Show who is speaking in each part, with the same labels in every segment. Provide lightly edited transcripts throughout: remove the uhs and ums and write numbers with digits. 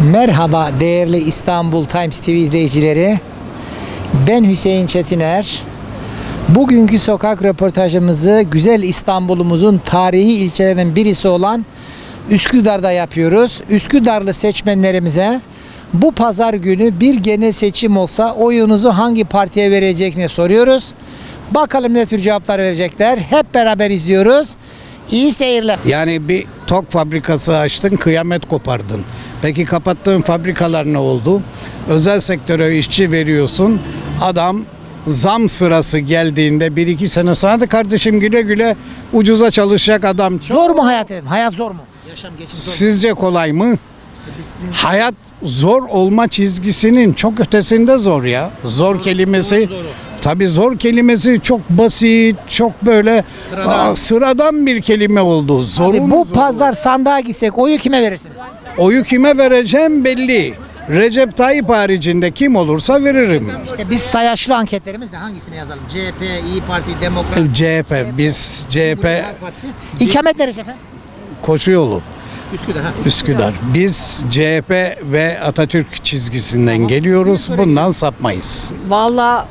Speaker 1: Merhaba değerli İstanbul Times TV izleyicileri. Ben Hüseyin Çetiner. Bugünkü sokak röportajımızı güzel İstanbul'umuzun tarihi ilçelerinden birisi olan Üsküdar'da yapıyoruz. Üsküdarlı seçmenlerimize bu pazar günü bir genel seçim olsa oyunuzu hangi partiye vereceğini soruyoruz. Bakalım ne tür cevaplar verecekler. Hep beraber izliyoruz. İyi seyirler.
Speaker 2: Yani bir tok fabrikası açtın, kıyamet kopardın. Peki kapattığın fabrikalar ne oldu? Özel sektöre işçi veriyorsun. Adam zam sırası geldiğinde 1-2 sene sonra da kardeşim güle güle ucuza çalışacak adam.
Speaker 1: Zor mu hayat dedim? Hayat zor mu? Yaşam geçim zor mu?
Speaker 2: Sizce kolay mı? Hayat zor olma çizgisinin çok ötesinde zor ya. Zor kelimesi. Tabii zor kelimesi çok basit, çok böyle sıradan bir kelime oldu.
Speaker 1: Abi bu pazar sandığa gitsek oyu kime verirsiniz?
Speaker 2: Oyu kime vereceğim belli. Recep Tayyip haricinde kim olursa veririm.
Speaker 1: İşte biz sayaçlı anketlerimizle hangisine yazalım? CHP, İyi Parti, Demokrat,
Speaker 2: CHP, biz
Speaker 1: Cumhuriyet
Speaker 2: CHP
Speaker 1: Halk Partisi. İkamet neresi efendim?
Speaker 2: Koşuyolu,
Speaker 1: Üsküdar. Ha?
Speaker 2: Üsküdar. Biz CHP ve Atatürk çizgisinden geliyoruz. Bundan sapmayız.
Speaker 3: Vallahi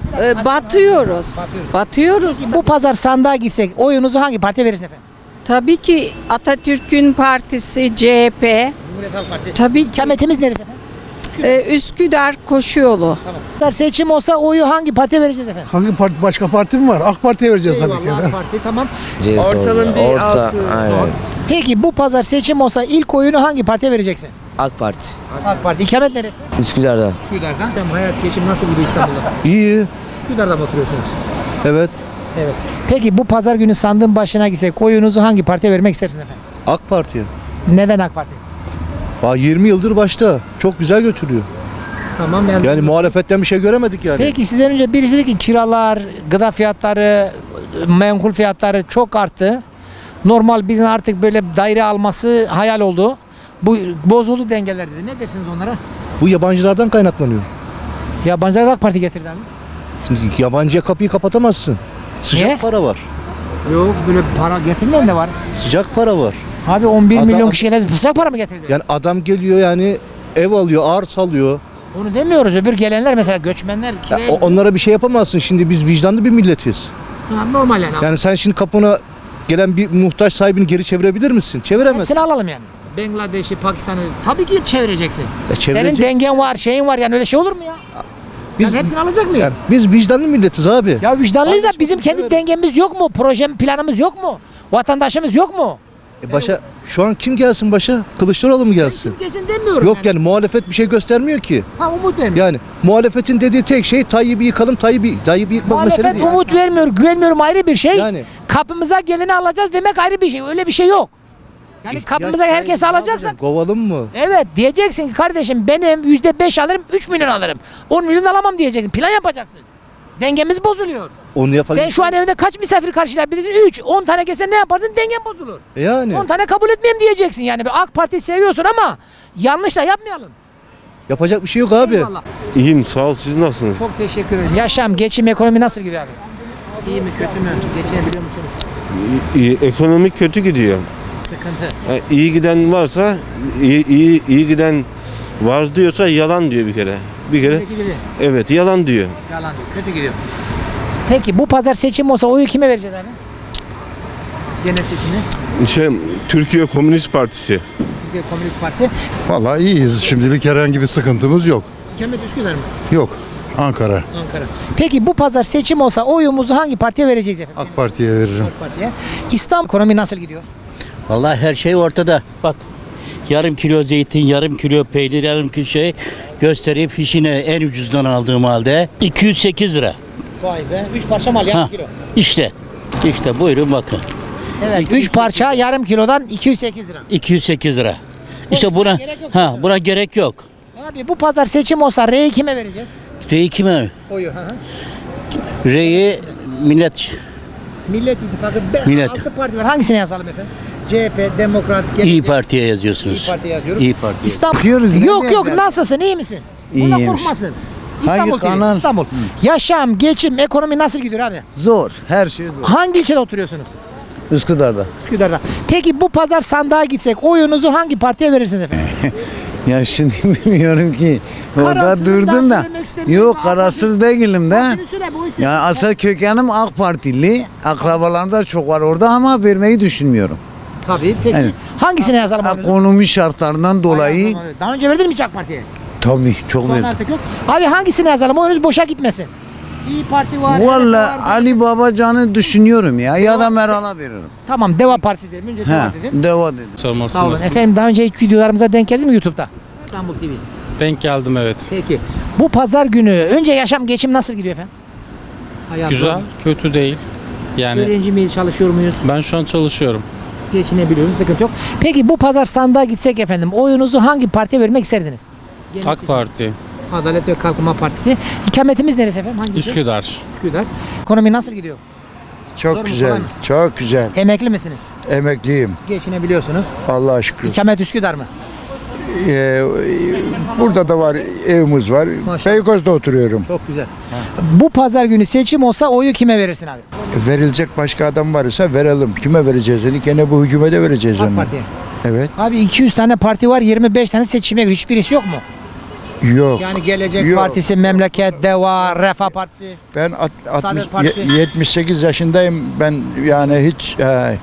Speaker 3: batıyoruz.
Speaker 1: Bu pazar sandığa gitsek oyunuzu hangi partiye verirsiniz efendim?
Speaker 3: Tabii ki Atatürk'ün partisi CHP.
Speaker 1: Cumhuriyet Halk Partisi.
Speaker 3: Tabii ki
Speaker 1: İkametimiz neresi efendim?
Speaker 3: Üsküdar Koşuyolu.
Speaker 1: Pazar seçim olsa oyu hangi partiye vereceğiz efendim?
Speaker 4: Hangi parti, başka parti mi var? AK Parti'ye vereceğiz tabii ki.
Speaker 1: Eyvallah AK Parti tamam.
Speaker 5: Ortalım bir altı. Aynen.
Speaker 1: Peki bu pazar seçim olsa ilk oyunu hangi partiye vereceksin?
Speaker 5: AK Parti.
Speaker 1: AK Parti. İkamet neresi?
Speaker 5: Üsküdar'da.
Speaker 1: Üsküdar'dan. Tamam, hayat geçim nasıl gidiyor İstanbul'da?
Speaker 4: İyi.
Speaker 1: Üsküdar'da mı oturuyorsunuz?
Speaker 4: Evet.
Speaker 1: Evet. Peki bu pazar günü sandığın başına gitsek oyunuzu hangi partiye vermek istersiniz efendim?
Speaker 4: AK Parti'ye.
Speaker 1: Neden AK Parti?
Speaker 4: 20 yıldır başta. Çok güzel götürüyor.
Speaker 1: Tamam
Speaker 4: Yani muhalefetten bir şey göremedik yani.
Speaker 1: Peki sizden önce birisi dedi ki kiralar, gıda fiyatları, menkul fiyatları çok arttı. Normal bizim artık böyle daire alması hayal oldu. Bu bozuldu dengeler dedi. Ne dersiniz onlara?
Speaker 4: Bu yabancılardan kaynaklanıyor.
Speaker 1: Yabancılar AK Parti getirdi abi.
Speaker 4: Şimdi yabancıya kapıyı kapatamazsın. Sıcak
Speaker 1: Niye?
Speaker 4: para var.
Speaker 1: Yok böyle para getirmeyen de var.
Speaker 4: Sıcak para var.
Speaker 1: Abi 11
Speaker 4: Adam-
Speaker 1: milyon kişiye de sıcak para mı getirdi?
Speaker 4: Yani adam geliyor yani ev alıyor, arsa alıyor.
Speaker 1: Onu demiyoruz. Öbür gelenler mesela göçmenler
Speaker 4: Ya
Speaker 1: kiraya...
Speaker 4: onlara bir şey yapamazsın. Şimdi biz vicdanlı bir milletiz.
Speaker 1: Ha, normal yani.
Speaker 4: Yani sen şimdi kapına gelen bir muhtaç sahibini geri çevirebilir misin? Çeviremezsin.
Speaker 1: Hepsini alalım yani. Bangladeş'i, Pakistan'ı tabii ki çevireceksin. Senin
Speaker 4: çevireceksin.
Speaker 1: dengen var, şeyin var yani öyle şey olur mu ya? Biz
Speaker 4: Biz-
Speaker 1: hepsini alacak mıyız?
Speaker 4: Yani biz vicdanlı milletiz abi.
Speaker 1: Ya vicdanlıyız da
Speaker 4: Kardeşim,
Speaker 1: bizim kendi
Speaker 4: evet.
Speaker 1: dengemiz yok mu? Proje planımız yok mu? Vatandaşımız yok mu?
Speaker 4: Başa şu an kim gelsin başa? Kılıçdaroğlu mu gelsin?
Speaker 1: Kesin demiyorum
Speaker 4: Yok yani muhalefet bir şey göstermiyor ki.
Speaker 1: Ha umut vermiyor.
Speaker 4: Yani muhalefetin dediği tek şey Tayyip'i yıkalım, Tayyip'i yıkmak mesele
Speaker 1: Muhalefet
Speaker 4: değil.
Speaker 1: umut vermiyor, güvenmiyorum ayrı bir şey.
Speaker 4: Yani.
Speaker 1: Kapımıza geleni alacağız demek ayrı bir şey. Öyle bir şey yok. Yani kapımıza
Speaker 4: Ya
Speaker 1: herkesi
Speaker 4: sen
Speaker 1: alacaksak
Speaker 4: kovalım mı?
Speaker 1: evet diyeceksin ki kardeşim benim %5 alırım 3 milyon alırım. 10 milyon alamam diyeceksin. Plan yapacaksın. Dengemiz bozuluyor.
Speaker 4: Onu yapalım.
Speaker 1: Sen şu an evde kaç misafir karşılayabilirsin? 3. 10 tane gelsen ne yaparsın? Dengen bozulur.
Speaker 4: Yani
Speaker 1: 10 tane kabul etmeyeyim diyeceksin yani. AK Parti'yi seviyorsun ama yanlış da yapmayalım.
Speaker 4: yapacak bir şey yok abi.
Speaker 1: Eyvallah.
Speaker 6: İyiyim sağ ol siz nasılsınız?
Speaker 1: Çok teşekkür ederim. Yaşam, geçim, ekonomi nasıl gidiyor abi? İyi mi, kötü mü? Geçinebiliyor musunuz?
Speaker 6: İyi, ekonomi kötü gidiyor.
Speaker 1: Sıkıntı.
Speaker 6: İyi giden varsa iyi giden var diyorsa yalan diyor bir kere. Bir kere
Speaker 1: Kötü gidiyor.
Speaker 6: evet yalan diyor.
Speaker 1: Yalan diyor. Kötü gidiyor. Peki bu pazar seçim olsa oyu kime vereceğiz abi? Genel seçimi.
Speaker 6: Türkiye Komünist Partisi.
Speaker 1: Türkiye Komünist Partisi.
Speaker 7: Vallahi iyiyiz. Şimdilik herhangi bir sıkıntımız yok.
Speaker 1: İkamet Üsküdar mı?
Speaker 7: Yok. Ankara.
Speaker 1: Ankara. Peki bu pazar seçim olsa oyumuzu hangi partiye vereceğiz efendim?
Speaker 7: AK Parti'ye veririm.
Speaker 1: AK Parti'ye. İstanbul ekonomi nasıl gidiyor?
Speaker 8: Vallahi her şey ortada. Bak yarım kilo zeytin, yarım kilo peynir, yarım kilo şey göstereyim fişine en ucuzdan aldığım halde 208 lira.
Speaker 1: Vay be. 3 parça mal yarım
Speaker 8: Ha,
Speaker 1: kilo.
Speaker 8: işte buyurun bakın.
Speaker 1: Evet. 3 parça yarım kilodan 208 lira.
Speaker 8: 208 lira. İşte buna buna gerek yok.
Speaker 1: Abi bu pazar seçim olsa R'yi kime vereceğiz?
Speaker 8: Reyi kime?
Speaker 1: Oyu. Hı hı.
Speaker 8: Reyi millet
Speaker 1: Millet İttifakı.
Speaker 8: Millet.
Speaker 1: 6 parti var. Hangisine yazalım efendim? CHP, Demokrat,
Speaker 8: İyi Parti'ye yazıyorsunuz.
Speaker 1: İyi Parti yazıyorum.
Speaker 8: İyi Parti.
Speaker 1: İstanbul. Yok nasılsın? İyi misin? Bundan korkmasın. İstanbul TV, İstanbul. Yaşam, geçim, ekonomi nasıl gidiyor abi?
Speaker 5: Zor. Her şey zor.
Speaker 1: Hangi ilçede oturuyorsunuz?
Speaker 5: Üsküdar'da.
Speaker 1: Üsküdar'da. Peki bu pazar sandığa gitsek oyunuzu hangi partiye verirsiniz efendim?
Speaker 9: Ya şimdi bilmiyorum ki. Orada
Speaker 1: Kararsızım,
Speaker 9: durdum
Speaker 1: daha
Speaker 9: da.
Speaker 1: söylemek istemiyorum.
Speaker 9: Yok kararsız değilim de.
Speaker 1: Partini söyle, bu isim.
Speaker 9: Yani asıl kökenim AK Partili. Akrabalarım da çok var orada ama vermeyi düşünmüyorum.
Speaker 1: Tabii. Peki
Speaker 9: Evet.
Speaker 1: hangisine yazalım oyunuzu?
Speaker 9: Ekonomi şartlarından dolayı
Speaker 1: Hayır, daha önce verdin mi hiç AK Parti'ye?
Speaker 9: tabii çok
Speaker 1: Şu an
Speaker 9: verdim.
Speaker 1: artık yok. Abi hangisine yazalım? Oyunuz boşa gitmesin. İyi Parti var. HDP
Speaker 9: Valla
Speaker 1: var,
Speaker 9: Ali Babacan'ı düşünüyorum ya da Meral'a veririm.
Speaker 1: Tamam, Deva Partisi dedim. Önce Deva
Speaker 9: He,
Speaker 1: dedim.
Speaker 9: deva dedim.
Speaker 1: Sağ olun. Efendim daha önce hiç videolarımıza denk geldiniz mi YouTube'da? İstanbul TV.
Speaker 10: Denk geldim, evet.
Speaker 1: Peki. Bu pazar günü önce yaşam geçim nasıl gidiyor efendim? Hayat
Speaker 10: Güzel,
Speaker 1: zor mu?
Speaker 10: kötü değil. Yani
Speaker 1: Öğrenci miyiz, çalışıyor muyuz?
Speaker 10: ben şu an çalışıyorum.
Speaker 1: Geçinebiliyoruz, sıkıntı yok. Peki bu pazar sandığa gitsek efendim, oyunuzu hangi partiye vermek isterdiniz? Genel
Speaker 10: AK
Speaker 1: seçim.
Speaker 10: Parti,
Speaker 1: Adalet ve Kalkınma Partisi. İkametimiz neresi efendim? Hangisi?
Speaker 10: Üsküdar.
Speaker 1: Üsküdar. Ekonomi nasıl gidiyor? Zor mu,
Speaker 7: Çok
Speaker 1: kolay
Speaker 7: güzel,
Speaker 1: mı?
Speaker 7: çok güzel.
Speaker 1: Emekli misiniz?
Speaker 7: Emekliyim.
Speaker 1: Geçinebiliyorsunuz.
Speaker 7: Allah'a şükür.
Speaker 1: İkamet Üsküdar mı?
Speaker 7: Burada da var, evimiz var.
Speaker 1: Maşallah.
Speaker 7: Beykoz'da oturuyorum.
Speaker 1: Çok güzel. Bu pazar günü seçim olsa oyu kime verirsin abi?
Speaker 7: Verilecek başka adam varsa verelim. Kime vereceğiz onu? Gene bu hükümete vereceğiz
Speaker 1: AK
Speaker 7: onu.
Speaker 1: Parti'ye.
Speaker 7: Evet.
Speaker 1: Abi 200 tane parti var, 25 tane seçime giriyor. Hiçbirisi yok mu?
Speaker 7: Yok.
Speaker 1: Yani Gelecek
Speaker 7: Yok.
Speaker 1: Partisi, Memleket, Deva, Refah Partisi.
Speaker 7: Ben
Speaker 1: Saadet Partisi.
Speaker 7: 78 yaşındayım. Ben yani hiç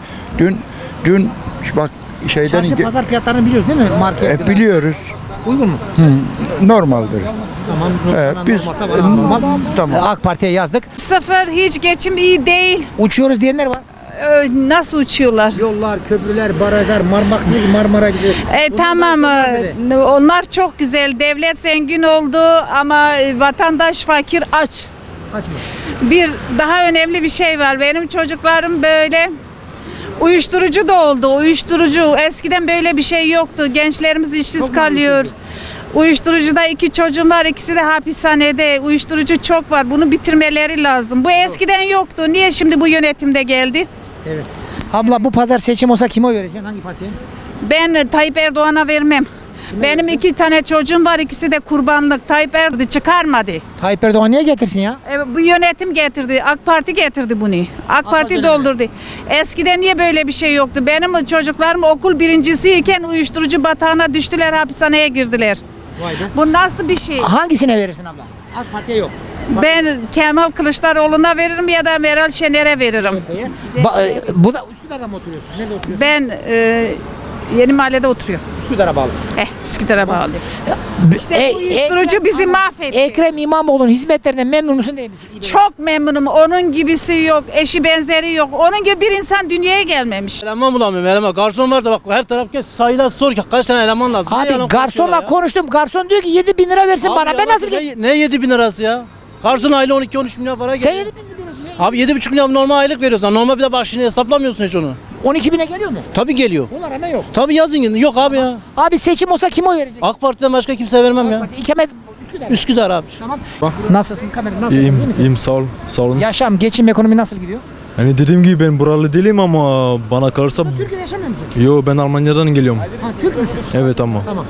Speaker 7: dün bak şeyden
Speaker 1: Çarşı pazar fiyatlarını biliyoruz değil mi? Market.
Speaker 7: biliyoruz.
Speaker 1: Uygun mu?
Speaker 7: Normaldir.
Speaker 1: Tamam. Sana
Speaker 7: Biz
Speaker 1: olmasa bana normal.
Speaker 7: tamam.
Speaker 1: AK Parti'ye yazdık.
Speaker 3: Sıfır, hiç geçim iyi değil.
Speaker 1: Uçuyoruz diyenler var.
Speaker 3: Nasıl uçuyorlar?
Speaker 1: Yollar, köprüler, barajlar, Marmara gidiyor.
Speaker 3: Tamam, onlar çok güzel. Devlet zengin oldu ama vatandaş fakir, aç.
Speaker 1: Kaçma.
Speaker 3: Bir daha önemli bir şey var. Benim çocuklarım böyle uyuşturucu da oldu. Uyuşturucu. Eskiden böyle bir şey yoktu. Gençlerimiz işsiz kalıyor. Uyuşturucuda 2 çocuğum var. İkisi de hapishanede. Uyuşturucu çok var. Bunu bitirmeleri lazım. Bu eskiden yoktu. Niye şimdi bu yönetimde geldi?
Speaker 1: Evet. Abla bu pazar seçim olsa kime oy vereceksin? Hangi partiye?
Speaker 3: Ben Tayyip Erdoğan'a vermem. Benim 2 tane çocuğum var. İkisi de kurbanlık. Tayyip Erdoğan çıkarmadı.
Speaker 1: Tayyip Erdoğan niye getirsin ya?
Speaker 3: Bu yönetim getirdi. AK Parti getirdi bunu. AK Parti
Speaker 1: Parti
Speaker 3: doldurdu. Eskiden niye böyle bir şey yoktu? Benim çocuklarım okul birincisiyken uyuşturucu batağına düştüler, hapishaneye girdiler.
Speaker 1: Vay be.
Speaker 3: Bu nasıl bir şey?
Speaker 1: Hangisine verirsin abla? AK Parti'ye yok.
Speaker 3: Ben Kemal Kılıçdaroğlu'na veririm ya da Meral Şener'e veririm.
Speaker 1: Bu da Üsküdar'da mı oturuyorsun? Nerede oturuyorsun?
Speaker 3: Ben Yeni Mahalle'de oturuyorum.
Speaker 1: Üsküdar'a bağlı.
Speaker 3: Üsküdar'a bağlı. İşte uyuşturucu bizi mahvetti.
Speaker 1: Ekrem İmamoğlu'nun hizmetlerinden memnun musun değil misin?
Speaker 3: Çok memnunum. Onun gibisi yok. Eşi benzeri yok. Onun gibi bir insan dünyaya gelmemiş.
Speaker 11: Eleman bulamıyorum eleman. Garson varsa bak her taraf geç sayılar sor ki kaç tane eleman lazım. Ne
Speaker 1: Abi
Speaker 11: yalan
Speaker 1: garsonla
Speaker 11: konuşuyorlar ya?
Speaker 1: konuştum. Garson diyor ki 7.000 lira versin
Speaker 11: Abi
Speaker 1: bana. Ben
Speaker 11: yalan-
Speaker 1: nasıl geleyim?
Speaker 11: Ne 7 bin lirası ya? Garson aile 12-13 milyar para
Speaker 1: Sen
Speaker 11: geliyor.
Speaker 1: 7.000 veriyorsun ya.
Speaker 11: Abi 7,5 milyar normal aylık veriyorsan normal bir de başını hesaplamıyorsun hiç onu.
Speaker 1: 12.000'e geliyor mu?
Speaker 11: Tabii geliyor.
Speaker 1: Onlar hemen yok.
Speaker 11: Tabii yazın yok abi ya.
Speaker 1: Abi seçim olsa kime oy verecek?
Speaker 11: AK Parti'den başka kimseye vermem ya.
Speaker 1: İkamet Üsküdar.
Speaker 11: Üsküdar abi.
Speaker 1: Tamam. Nasılsın kamera? Nasılsın? İyi misin?
Speaker 12: sağ ol. Sağ olun.
Speaker 1: Yaşam, geçim, ekonomi nasıl gidiyor?
Speaker 12: Yani dediğim gibi ben buralı değilim ama bana kalırsa
Speaker 1: Türkiye'de yaşamıyor musun?
Speaker 12: yo ben Almanya'dan geliyorum.
Speaker 1: Ha, Türk müsün?
Speaker 12: Evet ama
Speaker 1: Tamam.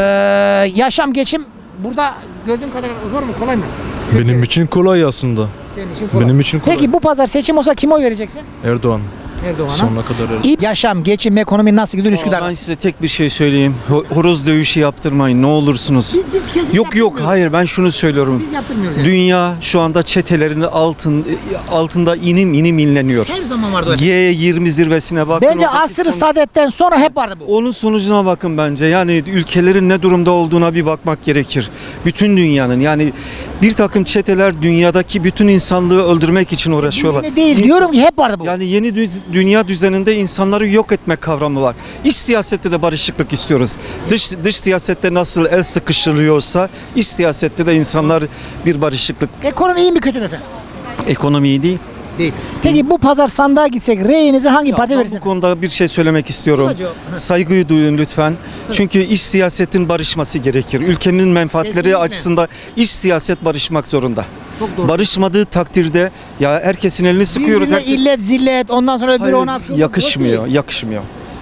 Speaker 1: Yaşam, geçim burada gördüğün kadar zor mu, kolay mı?
Speaker 12: benim için kolay aslında.
Speaker 1: Senin için kolay.
Speaker 12: Benim için kolay.
Speaker 1: Peki bu pazar seçim olsa kime oy vereceksin?
Speaker 12: Erdoğan
Speaker 1: Erdoğan'a.
Speaker 12: sonuna kadar Erdoğan.
Speaker 1: İyi yaşam, geçim, ekonomi nasıl gidiyor Üsküdar'da?
Speaker 13: Ben size tek bir şey söyleyeyim. Horoz dövüşü yaptırmayın ne olursunuz.
Speaker 1: Biz kesin
Speaker 13: Yok
Speaker 1: yaptırmıyoruz.
Speaker 13: hayır ben şunu söylüyorum.
Speaker 1: Biz yaptırmıyoruz yani.
Speaker 13: Dünya şu anda çetelerin altında inim inleniyor.
Speaker 1: Her zaman vardı o.
Speaker 13: G20 zirvesine bakın.
Speaker 1: Bence
Speaker 13: oradaki
Speaker 1: asr-ı saadetten sonra hep vardı bu.
Speaker 13: Onun sonucuna bakın bence. Yani ülkelerin ne durumda olduğuna bir bakmak gerekir. Bütün dünyanın yani bir takım çeteler dünyadaki bütün insanlığı öldürmek için uğraşıyorlar.
Speaker 1: Yeni değil diyorum ki hep vardı bu.
Speaker 13: Yani yeni dünya düzeninde insanları yok etme kavramı var. İç siyasette de barışıklık istiyoruz. Dış siyasette nasıl el sıkıştırılıyorsa iç siyasette de insanlar bir barışıklık.
Speaker 1: Ekonomi iyi mi kötü mü efendim?
Speaker 13: Ekonomi iyi değil.
Speaker 1: Değil. Peki bu pazar sandığa gitsek reyinizi hangi partiye
Speaker 13: Ben
Speaker 1: verirsiniz?
Speaker 13: bu konuda bir şey söylemek istiyorum.
Speaker 1: Hocam.
Speaker 13: Saygıyı duyun lütfen. Çünkü iç siyasetin barışması gerekir. Ülkenin menfaatleri
Speaker 1: Kesinlikle.
Speaker 13: açısından iç siyaset barışmak zorunda.
Speaker 1: Çok doğru.
Speaker 13: Barışmadığı takdirde ya herkesin elini sıkıyoruz.
Speaker 1: Birbirine illet zillet ondan sonra öbürü
Speaker 13: Hayır,
Speaker 1: ona şu-
Speaker 13: yakışmıyor, yakışmıyor.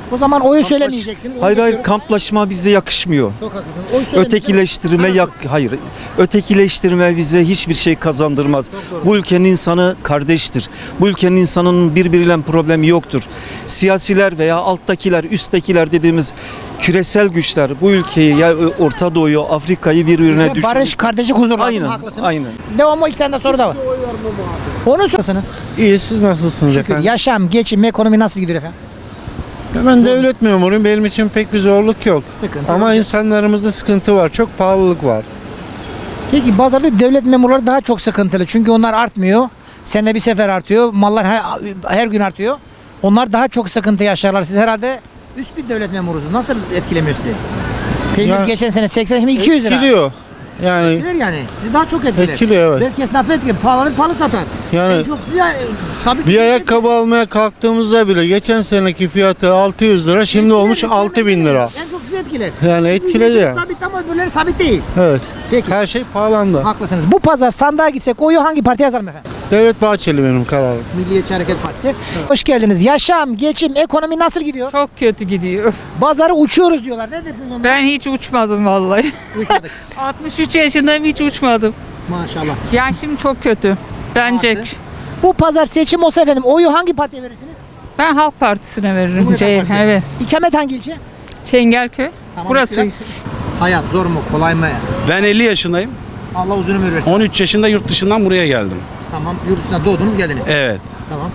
Speaker 1: O zaman oyu söylemeyeceksiniz. onu
Speaker 13: Hayır
Speaker 1: geçiyorum.
Speaker 13: kamplaşma bize yakışmıyor.
Speaker 1: Çok haklısınız. Oy söylemeyeceksiniz.
Speaker 13: Ötekileştirme hayır. Ötekileştirme bize hiçbir şey kazandırmaz. Bu ülkenin insanı kardeştir. Bu ülkenin insanının birbiriyle problemi yoktur. Siyasiler veya alttakiler, üsttekiler dediğimiz küresel güçler bu ülkeyi ya Orta Doğu'yu, Afrika'yı birbirine
Speaker 1: Bize barış, kardeşlik, huzur lazım.
Speaker 13: Aynen.
Speaker 1: Haklısınız.
Speaker 13: Aynen.
Speaker 1: Devam, o iki tane de soru da var. Onu sorsanız.
Speaker 11: İyi, siz nasılsınız
Speaker 1: Şükür. Yaşam, geçim, ekonomi nasıl gidiyor efendim?
Speaker 11: Ben devlet memuruyum. Benim için pek bir zorluk yok.
Speaker 1: Sıkıntı
Speaker 11: Ama
Speaker 1: yok.
Speaker 11: insanlarımızda sıkıntı var. Çok pahalılık var.
Speaker 1: Peki bazıları devlet memurları daha çok sıkıntılı. Çünkü onlar artmıyor. Senede bir sefer artıyor. Mallar her gün artıyor. Onlar daha çok sıkıntı yaşarlar. Siz herhalde üst bir devlet memurusunuz. Nasıl etkilemiyor sizi? Peynir
Speaker 11: Ya-
Speaker 1: geçen sene 80, şimdi 200 lira.
Speaker 11: Etkiliyor. Yani
Speaker 1: Etkiler yani. Sizi daha çok etkiler.
Speaker 11: Etkiliyor, evet.
Speaker 1: Belki esnafı etkiler. Pahalanır, pahalı satar.
Speaker 11: Yani-
Speaker 1: En çok size sabit
Speaker 11: bir ayakkabı almaya kalktığımızda bile geçen seneki fiyatı 600 lira, şimdi olmuş 6000 lira.
Speaker 1: En çok sizi etkiler.
Speaker 11: Yani
Speaker 1: Çünkü
Speaker 11: etkiledi
Speaker 1: ücreti
Speaker 11: ya.
Speaker 1: sabit ama öbürleri sabit değil.
Speaker 11: Evet.
Speaker 1: Peki.
Speaker 11: Her şey pahalandı.
Speaker 1: Haklısınız. Bu pazar sandığa gitsek oyu hangi partiye yazalım efendim?
Speaker 11: Devlet Bahçeli benim kararım.
Speaker 1: Milliyetçi Hareket Partisi. Hoş geldiniz. Yaşam, geçim, ekonomi nasıl gidiyor?
Speaker 3: Çok kötü gidiyor.
Speaker 1: Pazarı uçuyoruz diyorlar. Ne dersiniz onlara?
Speaker 3: Ben hiç uçmadım vallahi.
Speaker 1: Uçmadık.
Speaker 3: 63 yaşındayım, hiç uçmadım.
Speaker 1: Maşallah.
Speaker 3: Yani şimdi çok kötü. Bence
Speaker 1: Artı. Bu pazar seçim olsa efendim oyu hangi partiye verirsiniz?
Speaker 3: ben Halk Partisi'ne veririm.
Speaker 1: Cumhuriyet Halk Partisi.
Speaker 3: Evet.
Speaker 1: İkamet hangi ilçe?
Speaker 3: Çengelköy.
Speaker 1: Tamam,
Speaker 3: Burası.
Speaker 1: güzel. Hayat zor mu, kolay mı?
Speaker 14: Ben 50 yaşındayım.
Speaker 1: Allah uzun ömür versin.
Speaker 14: 13 yaşında yurt dışından buraya geldim.
Speaker 1: Tamam, yurt dışında doğdunuz geldiniz.
Speaker 14: Evet.
Speaker 1: Tamam.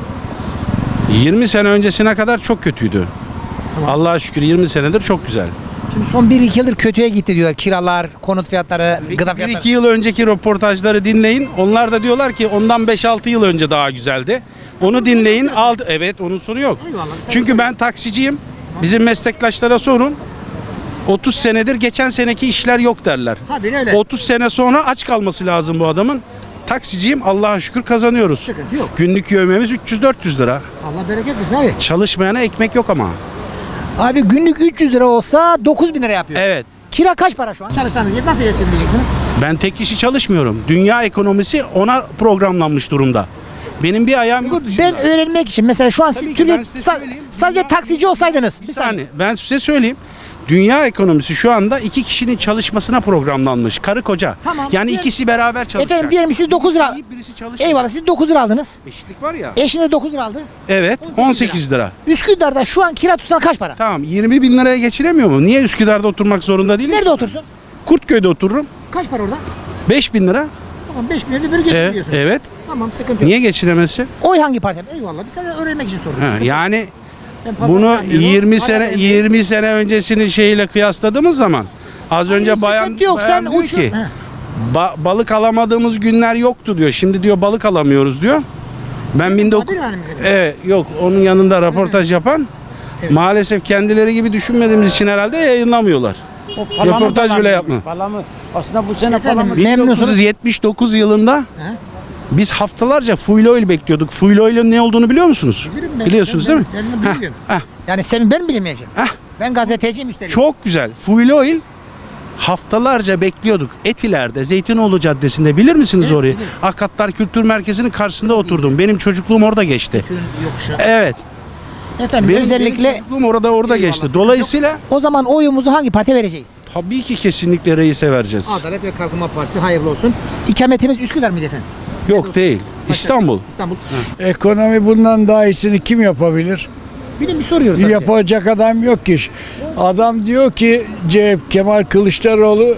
Speaker 14: 20 sene öncesine kadar çok kötüydü.
Speaker 1: Tamam.
Speaker 14: Allah'a şükür 20 senedir çok güzel.
Speaker 1: Şimdi son 1-2 yıldır kötüye gitti diyorlar. Kiralar, konut fiyatları, gıda fiyatları.
Speaker 14: 1-2 yıl önceki röportajları dinleyin. Onlar da diyorlar ki ondan 5-6 yıl önce daha güzeldi. Onu dinleyin. Evet, onun sonu yok.
Speaker 1: Eyvallah, sen
Speaker 14: Çünkü ben taksiciyim. Bizim meslektaşlara sorun. 30 senedir geçen seneki işler yok derler.
Speaker 1: Ha bir öyle.
Speaker 14: 30 sene sonra aç kalması lazım bu adamın. Taksiciyim, Allah'a şükür kazanıyoruz.
Speaker 1: Sıkıntı yok.
Speaker 14: Günlük yövmemiz 300-400 lira.
Speaker 1: Allah bereket versin abi.
Speaker 14: Çalışmayana ekmek yok ama.
Speaker 1: Abi günlük 300 lira olsa 9.000 lira yapıyor.
Speaker 14: Evet.
Speaker 1: Kira kaç para şu an? Çalışsanız nasıl geçineceksiniz?
Speaker 14: Ben tek kişi çalışmıyorum. Dünya ekonomisi ona programlanmış durumda. Benim bir ayağım yurt dışında.
Speaker 1: Ben öğrenmek için mesela şu an siz
Speaker 14: Tabii ki
Speaker 1: Türkiye
Speaker 14: ben size söyleyeyim.
Speaker 1: sadece
Speaker 14: Dünya
Speaker 1: taksici olsaydınız.
Speaker 14: Bir saniye. Ben size söyleyeyim. Dünya ekonomisi şu anda 2 kişinin çalışmasına programlanmış. Karı koca.
Speaker 1: Tamam.
Speaker 14: Yani
Speaker 1: Diğer-
Speaker 14: ikisi beraber çalışacak.
Speaker 1: Efendim diyelim siz 9 lira.
Speaker 14: Birisi çalışacak.
Speaker 1: Eyvallah siz 9 lira aldınız.
Speaker 14: Eşitlik var ya.
Speaker 1: Eşin de 9 lira aldı.
Speaker 14: Evet. 18 lira.
Speaker 1: Üsküdar'da şu an kira tutsan kaç para?
Speaker 14: Tamam. 20 bin liraya geçiremiyor mu? Niye Üsküdar'da oturmak zorunda değilim?
Speaker 1: Nerede otursun?
Speaker 14: Kurtköy'de otururum.
Speaker 1: Kaç para orada?
Speaker 14: 5 bin lira.
Speaker 1: Tamam 5 milyonlu bir geçiriyorsun.
Speaker 14: Evet.
Speaker 1: Tamam sıkıntı yok.
Speaker 14: Niye geçiremezsin?
Speaker 1: Oy hangi parti? Eyvallah. Biz sana öğrenmek için soruyoruz.
Speaker 14: Ha,
Speaker 1: Sıkıntı yok.
Speaker 14: yani
Speaker 1: Ben pazar
Speaker 14: bunu
Speaker 1: yapmıyorum.
Speaker 14: 20
Speaker 1: Hala
Speaker 14: sene
Speaker 1: evdeyim.
Speaker 14: 20 sene öncesinin şeyiyle kıyasladığımız zaman az önce
Speaker 1: Hiç
Speaker 14: bayan,
Speaker 1: sıkıntı yok, sen
Speaker 14: diyor
Speaker 1: uçur.
Speaker 14: ki
Speaker 1: He.
Speaker 14: balık alamadığımız günler yoktu diyor. Şimdi diyor balık alamıyoruz diyor. Ben 19
Speaker 1: Haber var mı efendim?
Speaker 14: Evet, yok onun yanında röportaj yapan maalesef kendileri gibi düşünmediğimiz için herhalde yayınlamıyorlar. Röportaj bile yapma.
Speaker 9: Aslında bu sene
Speaker 1: Efendim memnunsunuz.
Speaker 14: 1979 yılında
Speaker 1: He.
Speaker 14: biz haftalarca fuel oil bekliyorduk. Fuel oil'in ne olduğunu biliyor musunuz?
Speaker 1: Bilirim ben.
Speaker 14: Biliyorsunuz değil mi?
Speaker 1: Ben
Speaker 14: Heh,
Speaker 1: biliyorum.
Speaker 14: heh.
Speaker 1: Yani sen ben bilemeyeceğim.
Speaker 14: Heh.
Speaker 1: Ben gazeteciyim üstelik.
Speaker 14: Çok güzel. Fuel oil haftalarca bekliyorduk. Etiler'de, Zeytinoğlu Caddesi'nde bilir misiniz
Speaker 1: Evet,
Speaker 14: orayı?
Speaker 1: bilirim.
Speaker 14: Akatlar Kültür Merkezi'nin karşısında oturdum. Benim çocukluğum orada geçti.
Speaker 1: Bütün yokuşu.
Speaker 14: Evet.
Speaker 1: Efendim
Speaker 14: Benim
Speaker 1: özellikle
Speaker 14: çocukluğum orada
Speaker 1: Eyvallah,
Speaker 14: geçti.
Speaker 1: sıkıntı
Speaker 14: Dolayısıyla
Speaker 1: o zaman oyumuzu hangi partiye vereceğiz?
Speaker 14: tabii ki kesinlikle reise vereceğiz.
Speaker 1: Adalet ve Kalkınma Partisi hayırlı olsun. İkametimiz Üsküdar mıydı efendim?
Speaker 14: Yok değil. İstanbul.
Speaker 1: İstanbul.
Speaker 7: Ekonomi bundan daha iyisini kim yapabilir?
Speaker 1: Bilim bir soruyoruz sadece.
Speaker 7: Yapacak adam yok ki. Adam diyor ki Kemal Kılıçdaroğlu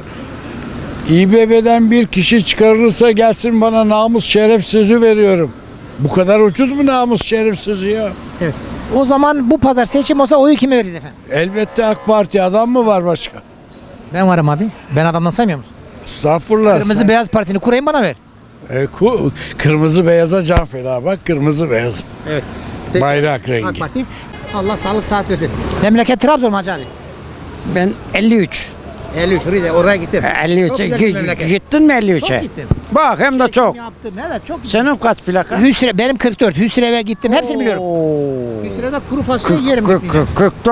Speaker 7: İBB'den bir kişi çıkarılırsa gelsin bana namus şeref sözü veriyorum. Bu kadar ucuz mu namus şeref sözü ya?
Speaker 1: Evet. O zaman bu pazar seçim olsa oyu kime veririz efendim?
Speaker 7: Elbette AK Parti adam mı var başka?
Speaker 1: Ben varım abi. Ben adamdan saymıyor musun?
Speaker 7: Estağfurullah.
Speaker 1: Kırmızı Beyaz Parti'ni kurayım bana ver.
Speaker 7: Kırmızı beyaza can feda bak kırmızı beyaz.
Speaker 1: Evet.
Speaker 7: Bayrak
Speaker 1: AK
Speaker 7: rengi.
Speaker 1: Parti. Allah sağlık saat versin. Memleket Trabzon mu Hacı abi?
Speaker 9: Ben 53.
Speaker 1: 53 Rize oraya gittim. Çok
Speaker 9: 53'e
Speaker 1: güzel bir memleket.
Speaker 9: gittin mi
Speaker 1: Çok
Speaker 9: 53'e?
Speaker 1: gittim.
Speaker 9: Bak hem de
Speaker 1: Çekim
Speaker 9: çok.
Speaker 1: yaptım. Evet çok gittim.
Speaker 9: Senin kaç plaka?
Speaker 1: Hüsrev benim 44. Hüsrev'e gittim. Hepsini biliyorum. Hüsrev'de kuru fasulye yerim. gittiğinde.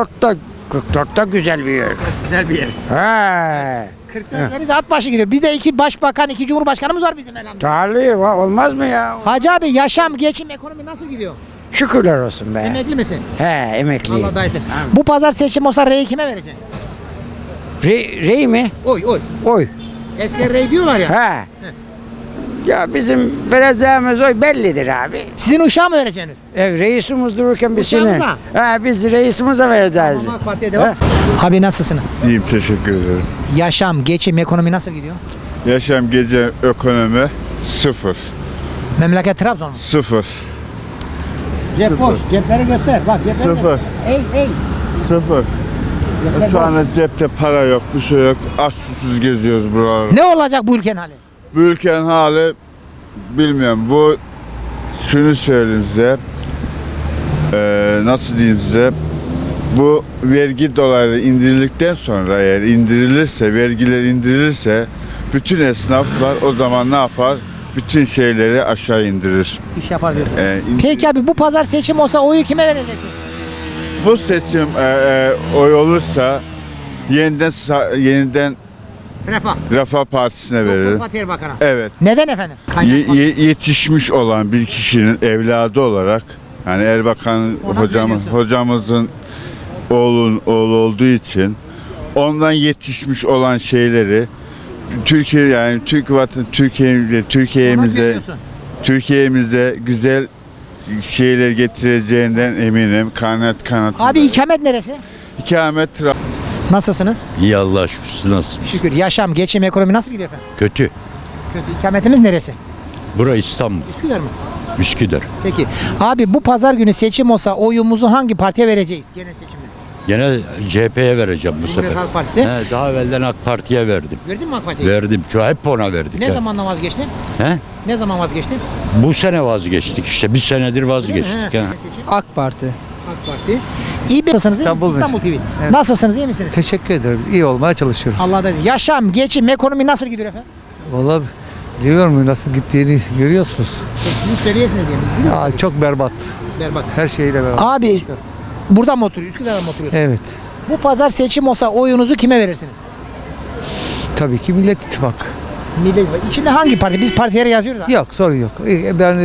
Speaker 9: 44'ta güzel bir yer.
Speaker 1: Güzel bir yer.
Speaker 9: He.
Speaker 1: 44 Rize at başı gidiyor. Bizde 2 başbakan, 2 cumhurbaşkanımız var bizim elhamdülillah.
Speaker 9: Talih olmaz mı ya?
Speaker 1: Hacı abi yaşam, geçim, ekonomi nasıl gidiyor?
Speaker 9: Şükürler olsun be.
Speaker 1: Emekli misin?
Speaker 9: He emekliyim.
Speaker 1: Allah dayansın. Bu pazar seçim olsa reyi kime vereceksin?
Speaker 9: Rey mi?
Speaker 1: Oy oy.
Speaker 9: Oy.
Speaker 1: Eski rey diyorlar ya.
Speaker 9: He. Ya bizim vereceğimiz oy bellidir abi.
Speaker 1: Sizin uşağı mı vereceksiniz?
Speaker 9: Reisimiz dururken biz şimdi.
Speaker 1: Uşağımıza?
Speaker 9: He biz reisimize vereceğiz.
Speaker 1: Tamam, AK Parti'ye devam. Abi nasılsınız?
Speaker 15: İyiyim teşekkür ederim.
Speaker 1: Yaşam, geçim, ekonomi nasıl gidiyor?
Speaker 15: Yaşam gece ekonomi sıfır.
Speaker 1: Memleket Trabzon mu?
Speaker 15: Sıfır.
Speaker 1: Cep boş. Cepleri göster. Bak cepleri
Speaker 15: Sıfır.
Speaker 1: göster. Ey.
Speaker 15: Sıfır.
Speaker 1: Cepler
Speaker 15: Şu
Speaker 1: boş.
Speaker 15: anda cepte para yok, bir şey yok. Aç susuz geziyoruz buralarda.
Speaker 1: Ne olacak bu ülkenin hali?
Speaker 15: Bu ülkenin hali bilmiyorum. Bu şunu söyleyeyim size. Nasıl diyeyim size? Bu vergi dolayları indirildikten sonra eğer indirilirse, vergiler indirilirse bütün esnaflar o zaman ne yapar? Bütün şeyleri aşağı indirir.
Speaker 1: İş yapar diyorsun. Peki abi bu pazar seçim olsa oyu kime vereceksin?
Speaker 15: Bu seçim oy olursa yeniden Refah Partisi'ne veririm.
Speaker 1: Fatih Erbakan'a.
Speaker 15: Evet.
Speaker 1: Neden efendim?
Speaker 15: Yetişmiş olan bir kişinin evladı olarak, yani Erbakan hocamızın oğlu olduğu için ondan yetişmiş olan şeyleri Türkiye, yani Türkiye'mize güzel şeyler getireceğinden eminim. Kanat.
Speaker 1: Abi ikamet neresi?
Speaker 15: İkamet
Speaker 1: Nasılsınız?
Speaker 12: İyi Allah'a şükür. Siz nasılsınız?
Speaker 1: Şükür. Yaşam, geçim, ekonomi nasıl gidiyor efendim?
Speaker 12: Kötü.
Speaker 1: Kötü. İkametimiz neresi?
Speaker 12: Bura İstanbul.
Speaker 1: Üsküdar mı?
Speaker 12: Üsküdar.
Speaker 1: Peki. Abi bu pazar günü seçim olsa oyumuzu hangi partiye vereceğiz? Genel seçimde.
Speaker 12: Gene CHP'ye vereceğim bu
Speaker 1: Cumhuriyet
Speaker 12: sefer.
Speaker 1: Halk Partisi.
Speaker 12: Daha evvelden AK Parti'ye verdim.
Speaker 1: Verdin mi AK Parti'ye?
Speaker 12: Verdim. Hep ona verdik.
Speaker 1: Ne zamandan vazgeçtin?
Speaker 12: He?
Speaker 1: Ne zaman vazgeçtin?
Speaker 12: Bu sene vazgeçtik işte. Bir senedir vazgeçtik.
Speaker 1: He.
Speaker 12: He.
Speaker 1: Seçim.
Speaker 9: AK Parti.
Speaker 1: AK Parti. İyi nasılsınız? İyi misiniz? İstanbul TV.
Speaker 9: Evet.
Speaker 1: Nasılsınız? İyi misiniz?
Speaker 9: Teşekkür ederim. İyi olmaya çalışıyoruz.
Speaker 1: Allah da yaşam, geçim, ekonomi nasıl gidiyor efendim?
Speaker 9: Vallahi biliyorum nasıl gittiğini görüyorsunuz.
Speaker 1: İşte sizin söyleyesiniz diye biz biliyoruz.
Speaker 9: Ya çok berbat.
Speaker 1: Berbat.
Speaker 9: Her şeyle berbat.
Speaker 1: Abi burada mı oturuyorsun? Üsküdar'da mı oturuyorsun?
Speaker 9: Evet.
Speaker 1: Bu pazar seçim olsa oyunuzu kime verirsiniz?
Speaker 9: Tabii ki Millet İttifakı.
Speaker 1: Millet İttifakı. İçinde hangi parti? Biz partilere yazıyoruz abi.
Speaker 9: Yok sorun yok. Ben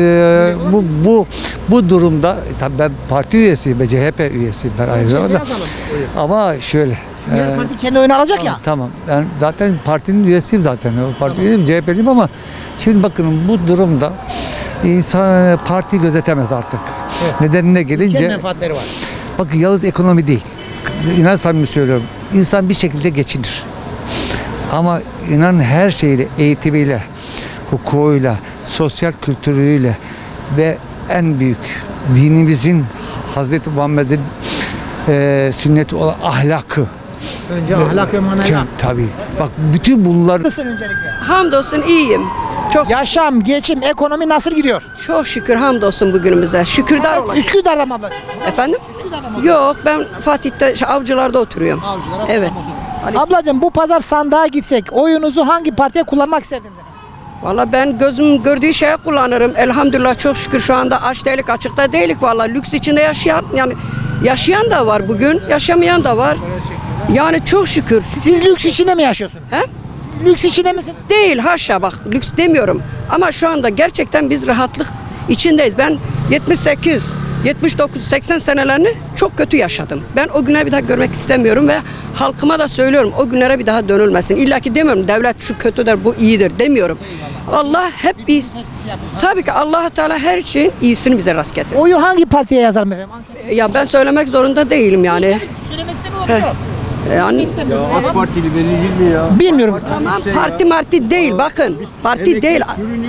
Speaker 9: bu durumda tabii ben parti üyesiyim, CHP üyesiyim ben aynı zamanda.
Speaker 1: Yazalım oyu.
Speaker 9: Ama şöyle.
Speaker 1: Çünkü her parti kendi oyunu alacak ya.
Speaker 9: Tamam. Ben zaten partinin üyesiyim zaten. O parti üyesiyim, CHP'liyim ama şimdi bakın bu durumda insan parti gözetemez artık.
Speaker 1: Evet.
Speaker 9: Nedenine
Speaker 1: Ülkenin
Speaker 9: gelince
Speaker 1: menfaatleri var.
Speaker 9: bakın yalnız ekonomi değil. İnan samimi söylüyorum. İnsan bir şekilde geçinir. Ama inan her şeyle, eğitimiyle, hukukuyla, sosyal kültürüyle ve en büyük dinimizin Hazreti Muhammed'in sünneti olan ahlakı.
Speaker 1: Önce ahlak ve maneviyat.
Speaker 9: Tabii. Bak bütün bunlar.
Speaker 1: Nasılsın öncelikle?
Speaker 16: Hamdolsun iyiyim. Çok
Speaker 1: Yaşam, geçim, ekonomi nasıl gidiyor?
Speaker 16: çok şükür hamdolsun bugünümüze. Şükürler olalım.
Speaker 1: Üsküdar'da mı ablacığım?
Speaker 16: Efendim?
Speaker 1: Üsküdar'da mı?
Speaker 16: Yok ben Fatih'te Avcılar'da oturuyorum.
Speaker 1: Avcılara
Speaker 16: Evet.
Speaker 1: selam olsun. Ablacığım bu pazar sandığa gitsek oyunuzu hangi partiye kullanmak isterdiniz efendim?
Speaker 16: Valla ben gözüm gördüğü şeye kullanırım. Elhamdülillah çok şükür şu anda aç değilik açıkta değilik valla. Lüks içinde yaşayan da var bugün, yaşamayan da var. Yani çok şükür.
Speaker 1: Siz lüks içinde mi yaşıyorsunuz?
Speaker 16: He?
Speaker 1: Siz lüks içinde misiniz?
Speaker 16: Değil haşa bak lüks demiyorum. Ama şu anda gerçekten biz rahatlık içindeyiz. Ben 78, 79, 80 senelerini çok kötü yaşadım. Ben o günleri bir daha görmek istemiyorum ve halkıma da söylüyorum o günlere bir daha dönülmesin. İlla ki demiyorum devlet şu kötüdür bu iyidir demiyorum. Allah hep biz tabii ki Allah Teala her şeyin iyisini bize rast getirir.
Speaker 1: Oyu hangi partiye yazalım efendim?
Speaker 16: Ya ben söylemek zorunda değilim yani.
Speaker 1: Söylemek istemiyorum.
Speaker 16: Yani
Speaker 1: AK
Speaker 12: Partili verici mi ya?
Speaker 1: Bilmiyorum.
Speaker 16: tamam parti değil bakın. Parti değil.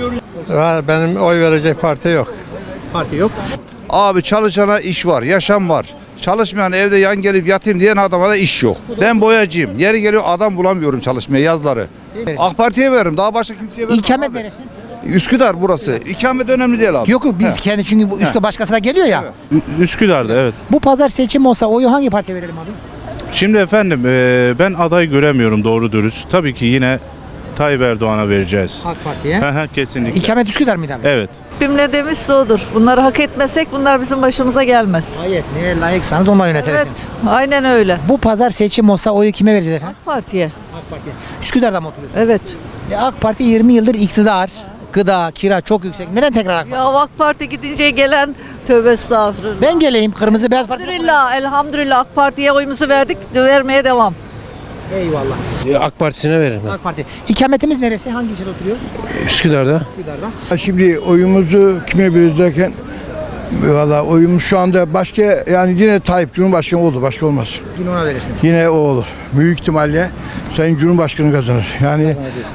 Speaker 11: Benim oy verecek parti yok.
Speaker 1: Parti yok.
Speaker 15: Abi çalışana iş var, yaşam var. Çalışmayan evde yan gelip yatayım diyen adama da iş yok. Ben boyacıyım. Yeri geliyor adam bulamıyorum çalışmaya yazları. AK Parti'ye veririm. Daha başka kimseye vermem.
Speaker 1: İkamet
Speaker 15: abi.
Speaker 1: neresi?
Speaker 15: Üsküdar burası. İkamet önemli değil abi.
Speaker 1: Yok biz kendi çünkü bu üstte başkasına geliyor ya.
Speaker 14: Üsküdar'da evet.
Speaker 1: Bu pazar seçim olsa oyu hangi partiye verelim abi?
Speaker 14: Şimdi efendim ben aday göremiyorum doğru dürüst. Tabii ki yine Tayyip Erdoğan'a vereceğiz.
Speaker 1: AK Parti'ye.
Speaker 14: Kesinlikle.
Speaker 1: İkamet Üsküdar mıydı abi?
Speaker 14: Evet.
Speaker 17: Kimle demişse odur. Bunları hak etmesek bunlar bizim başımıza gelmez.
Speaker 1: Hayır. Neye layıksanız onunla yönetirsiniz.
Speaker 17: Evet, aynen öyle.
Speaker 1: Bu pazar seçim olsa oyu kime vereceğiz efendim?
Speaker 17: AK Parti'ye.
Speaker 1: AK Parti'ye. Üsküdar'da mı oturuyorsunuz?
Speaker 17: Evet.
Speaker 1: AK Parti 20 yıldır iktidar. Gıda, kira çok yüksek. Neden tekrar AK Parti?
Speaker 17: Ya AK Parti gidince gelen tövbe estağfurullah.
Speaker 1: Ben geleyim. Kırmızı Beyaz Parti.
Speaker 17: Elhamdülillah, elhamdülillah AK Parti'ye oyumuzu verdik, vermeye devam.
Speaker 1: Eyvallah.
Speaker 18: AK Partisi'ne veririm.
Speaker 1: AK Parti. İkametimiz neresi? Hangi ilçede oturuyoruz?
Speaker 18: Üsküdar'da.
Speaker 1: Üsküdar'da.
Speaker 7: Şimdi oyumuzu kime veririz derken valla oyumuz şu anda başka, yani yine Tayyip Cumhurbaşkanı oldu, başka olmaz.
Speaker 1: Yine ona verirsiniz.
Speaker 7: Yine o olur. Büyük ihtimalle Sayın Cumhurbaşkanı kazanır. Yani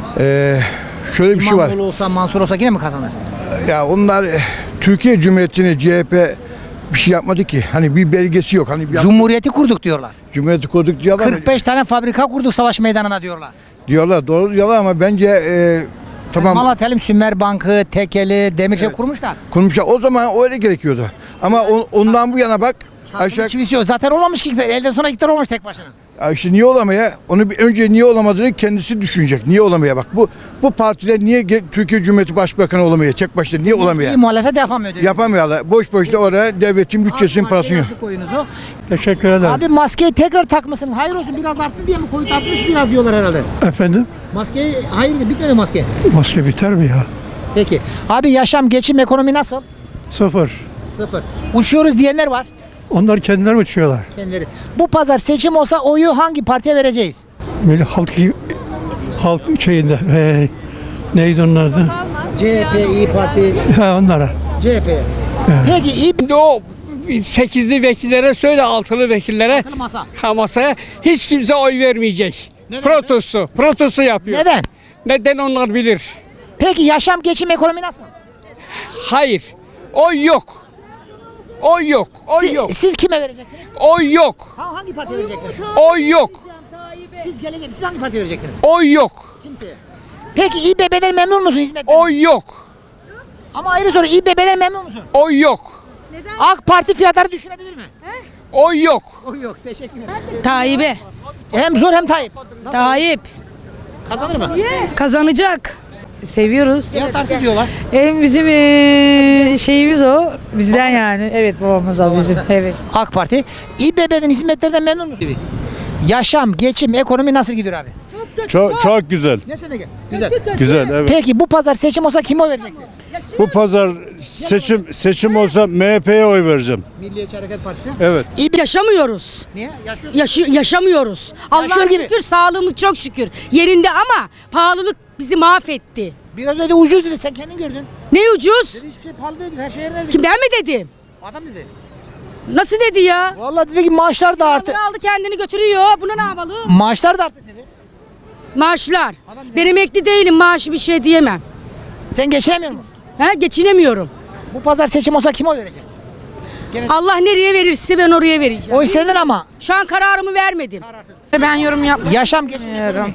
Speaker 7: şöyle bir şey var.
Speaker 1: İmamoğlu olsa, Mansur olsa yine mi kazanır?
Speaker 7: Ya onlar Türkiye Cumhuriyeti'ne CHP bir şey yapmadı ki. Hani bir belgesi yok. Hani bir
Speaker 1: Cumhuriyeti kurduk diyorlar.
Speaker 7: Cumhuriyeti kurduk diyorlar.
Speaker 1: 45 tane fabrika kurduk savaş meydanına diyorlar.
Speaker 7: Diyorlar, doğru diyorlar ama bence tamam.
Speaker 1: Malatya Sümer Bankı, Tekeli, Demirçek kurmuşlar.
Speaker 7: Kurmuşlar. O zaman öyle gerekiyordu. Ama ondan bu yana bak. Aşağı
Speaker 1: Çivisi yok. Zaten olmamış ki iktidar. Elden sonra iktidar olmamış tek başına.
Speaker 7: İşte niye olamaya? Onu bir önce niye olamadığını kendisi düşünecek. Niye olamaya bak. Bu partiler niye Türkiye Cumhuriyeti Başbakanı olamaya? Tek başına niye olamaya?
Speaker 1: İyi muhalefet yapamıyor.
Speaker 7: Yapamıyorlar. Boş boşta orada devletin bütçesinin parasını yok.
Speaker 1: Oyunuzu.
Speaker 7: Teşekkür ederim.
Speaker 1: Abi maskeyi tekrar takmışsınız. Hayır olsun, biraz arttı diye mi? Covid artmış biraz diyorlar herhalde.
Speaker 7: Efendim?
Speaker 1: Maskeyi hayır, bitmedi maske.
Speaker 7: Maske biter mi ya?
Speaker 1: Peki. Abi yaşam, geçim, ekonomi nasıl?
Speaker 7: Sıfır.
Speaker 1: Sıfır. Uçuyoruz diyenler var.
Speaker 7: Onlar kendileri uçuyorlar.
Speaker 1: Kendileri. Bu pazar seçim olsa oyu hangi partiye vereceğiz?
Speaker 7: Böyle halk şeyinde neydi onun adı?
Speaker 1: CHP, İyi Parti,
Speaker 7: Onlara.
Speaker 1: CHP. Peki İyi
Speaker 19: O 8'li vekillere söyle, 6'lı vekillere,
Speaker 1: masa.
Speaker 19: masaya hiç kimse oy vermeyecek. Protesto yapıyor.
Speaker 1: Neden?
Speaker 19: Neden onlar bilir.
Speaker 1: Peki yaşam, geçim, ekonomi nasıl?
Speaker 19: Hayır. Oy yok. Oy yok. Oy yok.
Speaker 1: Siz kime vereceksiniz?
Speaker 19: Oy yok.
Speaker 1: Hangi partiye vereceksiniz?
Speaker 19: Oy yok.
Speaker 1: Siz gelecek, siz hangi partiye vereceksiniz?
Speaker 19: Oy yok.
Speaker 1: Kimseye. Peki İBB'den memnun musun hizmetten?
Speaker 19: Oy yok.
Speaker 1: Ama ayrı soru, İBB'den memnun musun?
Speaker 19: Oy yok.
Speaker 1: AK Parti fiyatları düşürebilir mi?
Speaker 19: Oy yok.
Speaker 1: Oy yok, teşekkür ederim.
Speaker 20: Tayyip'e.
Speaker 1: Hem zor hem Tayyip.
Speaker 20: Tayyip.
Speaker 1: Kazanır mı?
Speaker 20: Kazanacak. Seviyoruz.
Speaker 1: Fiyat artı diyorlar.
Speaker 20: Hem bizim şeyimiz o. Bizden yani. Evet, babamız o bizim. Evet.
Speaker 1: AK Parti. İBB'den hizmetlerden memnun musun? Yaşam, geçim, ekonomi nasıl gidiyor abi?
Speaker 21: Çok güzel.
Speaker 1: Ne sene gel? Güzel.
Speaker 21: Güzel, evet.
Speaker 1: Peki bu pazar seçim olsa kime oy vereceksin?
Speaker 21: Bu pazar seçim olsa MHP'ye oy vereceğim.
Speaker 1: Milliyetçi Hareket Partisi.
Speaker 21: Evet.
Speaker 20: Yaşamıyoruz.
Speaker 1: Niye? Yaşıyorsun.
Speaker 20: Yaşamıyoruz. Allah'a
Speaker 1: gibi.
Speaker 20: şükür, sağlığımız çok şükür yerinde ama pahalılık bizi mahvetti.
Speaker 1: Biraz önce ucuz dedi, sen kendin gördün.
Speaker 20: Ne ucuz?
Speaker 1: Dedi hiçbir şey pahalı değil, her şey yerine dedi.
Speaker 20: Kim, ben mi dedim?
Speaker 1: Adam dedi.
Speaker 20: Nasıl dedi ya?
Speaker 1: Vallahi dedi ki maaşlar da arttı.
Speaker 20: Aldı kendini götürüyor. Buna ne yapalım?
Speaker 1: Maaşlar da arttı dedi.
Speaker 20: Maaşlar. Ben emekli değilim, maaşı bir şey diyemem.
Speaker 1: Sen geçinemiyor musun?
Speaker 20: Geçinemiyorum.
Speaker 1: Bu pazar seçim olsa kime oy vereceksin?
Speaker 20: Allah nereye verirse ben oraya vereceğim.
Speaker 1: Oy senin ama.
Speaker 20: Şu an kararımı vermedim.
Speaker 3: Ben yorum yapmak
Speaker 1: Yaşam, geçim, ekonomi.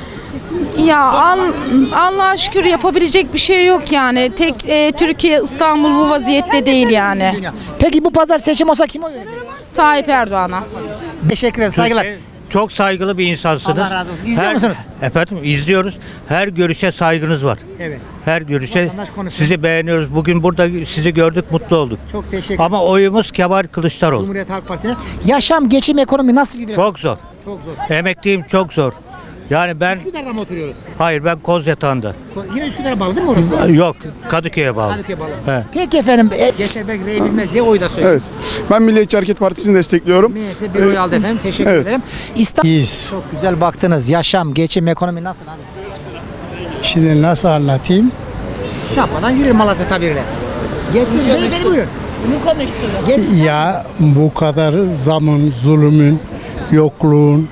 Speaker 3: Ya Allah'a şükür yapabilecek bir şey yok yani. Tek Türkiye, İstanbul bu vaziyette değil yani.
Speaker 1: Peki bu pazar seçim olsa kime oy vereceksin?
Speaker 3: Tayyip Erdoğan'a.
Speaker 1: Teşekkür ederim, saygılar.
Speaker 22: Çok saygılı bir insansınız.
Speaker 1: Allah razı olsun. İzliyor musunuz?
Speaker 22: Efendim izliyoruz. Her görüşe saygınız var.
Speaker 1: Evet.
Speaker 22: Her görüşe
Speaker 1: Vatandaş konuşuyor.
Speaker 22: sizi beğeniyoruz. Bugün burada sizi gördük, mutlu olduk.
Speaker 1: Çok teşekkür ederim.
Speaker 22: Ama oyumuz Kemal Kılıçdaroğlu.
Speaker 1: Cumhuriyet Halk Partisi'ne. Yaşam, geçim, ekonomi nasıl gidiyor?
Speaker 22: Çok zor.
Speaker 1: Çok zor.
Speaker 22: Emekliyim, çok zor. Yani ben
Speaker 1: Üsküdar'da mı oturuyoruz?
Speaker 22: hayır ben Kozyatağı'nda.
Speaker 1: Yine Üsküdar'a bağlı değil mi orası?
Speaker 22: Yok, Kadıköy'e bağlı.
Speaker 1: Kadıköy'e bağlı.
Speaker 22: He.
Speaker 1: Peki efendim, geçer belki rey bilmez diye oy da söylüyor.
Speaker 21: Evet. Ben Milliyetçi Hareket Partisi'ni destekliyorum.
Speaker 1: MHP bir oy aldı efendim. Teşekkür
Speaker 21: Evet.
Speaker 1: ederim. İstanbul. Çok güzel baktınız. Yaşam, geçim, ekonomi nasıl abi?
Speaker 7: Şimdi nasıl anlatayım?
Speaker 1: Şapadan girir Malatya tabiriyle. Geçsin. Beni buyurun. Geçsin.
Speaker 7: Ya bu kadar zamın, zulümün, yokluğun,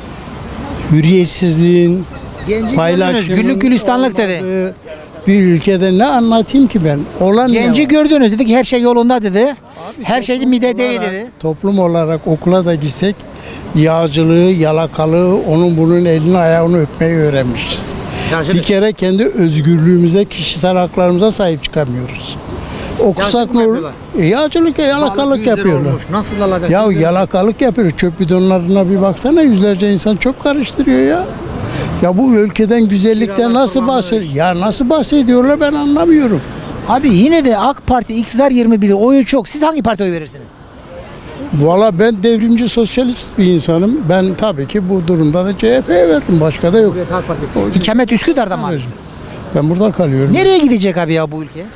Speaker 7: hürriyetsizliğin,
Speaker 1: Genci
Speaker 7: paylaşımın
Speaker 1: gördünüz. Güllük gülistanlık dedi.
Speaker 7: olmadığı bir ülkede ne anlatayım ki ben? Olan
Speaker 1: Genci gördünüz. Dedi ki her şey yolunda dedi. Her şeyde mide değil dedi.
Speaker 7: Toplum olarak okula da gitsek yağcılığı, yalakalığı, onun bunun elini ayağını öpmeyi öğrenmişiz. Bir kere kendi özgürlüğümüze, kişisel haklarımıza sahip çıkamıyoruz. Okusak ne olur? Yağcılık, yalakalık yapıyorlar.
Speaker 1: Nasıl alacak?
Speaker 7: Ya yalakalık yapıyor. Çöp bidonlarına bir baksana, yüzlerce insan çöp karıştırıyor ya. Ya bu ülkeden, güzellikten nasıl nasıl bahsediyorlar ben anlamıyorum.
Speaker 1: Abi yine de AK Parti iktidar 21 oyu çok. Siz hangi partiye oy verirsiniz?
Speaker 7: Valla ben devrimci sosyalist bir insanım. Ben tabii ki bu durumda da CHP'ye veririm. Başka da yok.
Speaker 1: Cumhuriyet Halk Partisi. İkamet Üsküdar'da mı abi?
Speaker 7: Ben burada kalıyorum.
Speaker 1: Nereye gidecek abi ya bu ülke?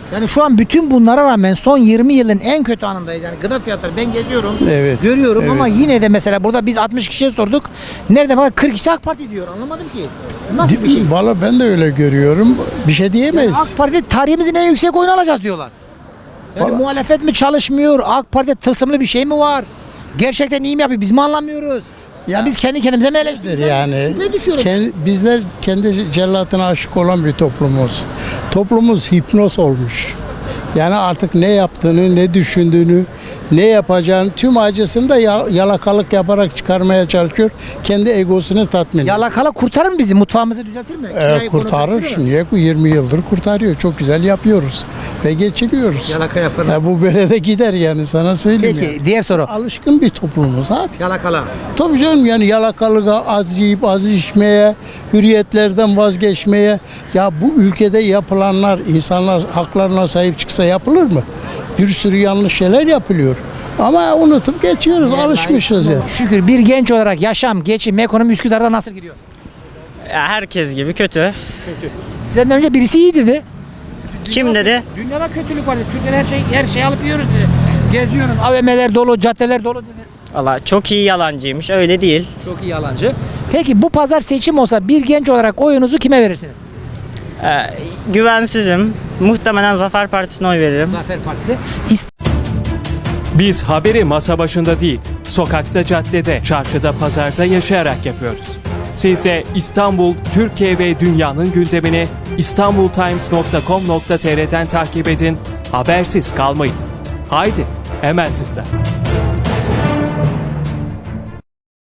Speaker 1: Yani şu an bütün bunlara rağmen son 20 yılın en kötü anındayız. Yani gıda fiyatları ben geziyorum,
Speaker 7: Evet.
Speaker 1: görüyorum
Speaker 7: Evet.
Speaker 1: ama yine de mesela burada biz 60 kişiye sorduk. Nerede bak 40 kişi AK Parti diyor. Anlamadım ki. Nasıl bir şey?
Speaker 7: Valla ben de öyle görüyorum. Bir şey diyemeyiz.
Speaker 1: Yani AK Parti tarihimizin en yüksek oyunu alacağız diyorlar. Yani muhalefet mi çalışmıyor? AK Parti tılsımlı bir şey mi var? Gerçekten iyi mi yapıyor? Biz mi anlamıyoruz? Ya biz kendi kendimize mi eleştiriyoruz?
Speaker 7: Yani
Speaker 1: Şüpheye düşüyorum.
Speaker 7: bizler kendi cellatına aşık olan bir toplumuz. Toplumumuz hipnoz olmuş. Yani artık ne yaptığını, ne düşündüğünü, ne yapacağını tüm acısını da yalakalık yaparak çıkarmaya çalışıyor. Kendi egosunu tatmin ediyor.
Speaker 1: Yalakalık kurtarır mı bizi? Mutfağımızı düzeltir mi? Kirayı
Speaker 7: Kurtarır.
Speaker 1: konuşturur mu?
Speaker 7: Niye? 20 yıldır kurtarıyor. Çok güzel yapıyoruz. Ve geçiniyoruz.
Speaker 1: Yalaka yapanlar.
Speaker 7: Ya bu böyle de gider yani sana söyleyeyim.
Speaker 1: Peki
Speaker 7: yani.
Speaker 1: diğer soru.
Speaker 7: Alışkın bir toplumuz abi.
Speaker 1: Yalakalığa.
Speaker 7: Tabii canım yani yalakalığa, az yiyip az içmeye, hürriyetlerden vazgeçmeye. Ya bu ülkede yapılanlar, insanlar haklarına sahip çıksa yapılır mı? Bir sürü yanlış şeyler yapılıyor. Ama unutup geçiyoruz, alışmışız ya.
Speaker 1: Şükür bir genç olarak yaşam, geçim, ekonomi Üsküdar'da nasıl gidiyor?
Speaker 2: Herkes gibi kötü.
Speaker 1: Sizden önce birisi iyi dedi.
Speaker 2: Kim dedi?
Speaker 1: Dünyada kötülük var dedi. Türkiye'de her şey alıp yiyoruz dedi. Geziyoruz, AVM'ler dolu, caddeler dolu dedi.
Speaker 2: Valla çok iyi yalancıymış. Öyle değil.
Speaker 1: Çok iyi yalancı. Peki bu pazar seçim olsa bir genç olarak oyunuzu kime verirsiniz?
Speaker 2: Güvensizim. Muhtemelen Zafer Partisi'ne oy veririm.
Speaker 1: Zafer Partisi.
Speaker 18: Biz haberi masa başında değil, sokakta, caddede, çarşıda, pazarda yaşayarak yapıyoruz. Siz de İstanbul, Türkiye ve dünyanın gündemini istanbultimes.com.tr'den takip edin, habersiz kalmayın. Haydi, hemen tıkla.